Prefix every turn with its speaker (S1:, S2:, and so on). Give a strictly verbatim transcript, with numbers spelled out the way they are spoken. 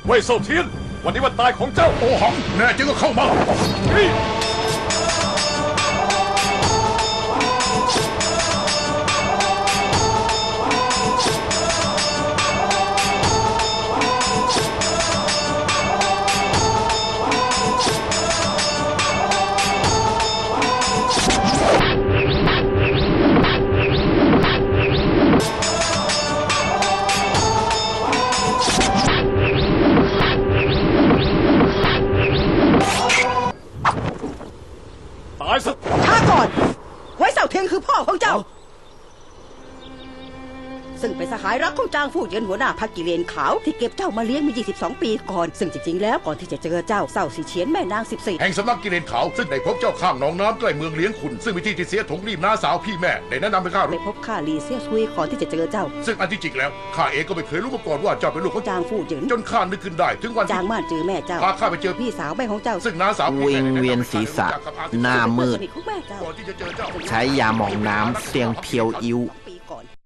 S1: เว่ยเซาเทียนวันนี้วันตายของเจ้า
S2: โอหังแน่จริงก็เข้ามา
S1: ตายซะ
S3: ช้าก่อนไว้เสาเทียงคือพ่อของเจ้าซึ่งเป็นสหายรักของจางฟู่เหยินหัวหน้าพรรคกิเลนขาวที่เก็บเจ้ามาเลี้ยงมายี่สิบสองปีก่อนซึ่งจริงๆแล้วก่อนที่จะเจอเจ้าเศร้าสีเฉียนแม่นางสิบสี่
S2: แห่งสำนักกิเลนขาวซึ่งได้พบเจ้าข้างหนองน้ำใกล้เมืองเลี้ยงขุนซึ่งวิธีที่เสียถงรีบน้าสาวพี่แม่ได้แนะนำให้ข้า
S3: ได้พบข้าลีเซียซุยก่อนที่จะเจอเจ้า
S2: ซึ่งอันที่จริงแล้วข้าเองก็ไม่เคยรู้มาก่อนว่าเจ้าเป็นลูกของ
S3: จางฟู่เหยิน
S2: จนข้านึกขึ้นได้ถึงวัน
S3: จางม่านเจอแม่เจ้า
S2: พาข้าไปเจอ
S3: พี่สาวแม่ของเจ้า
S2: ซึ่งน้าสาว
S4: วิงเวียนศีรษะหน้ามืดใช้ยาหมองน้ำเสียงเพียวอิ้ว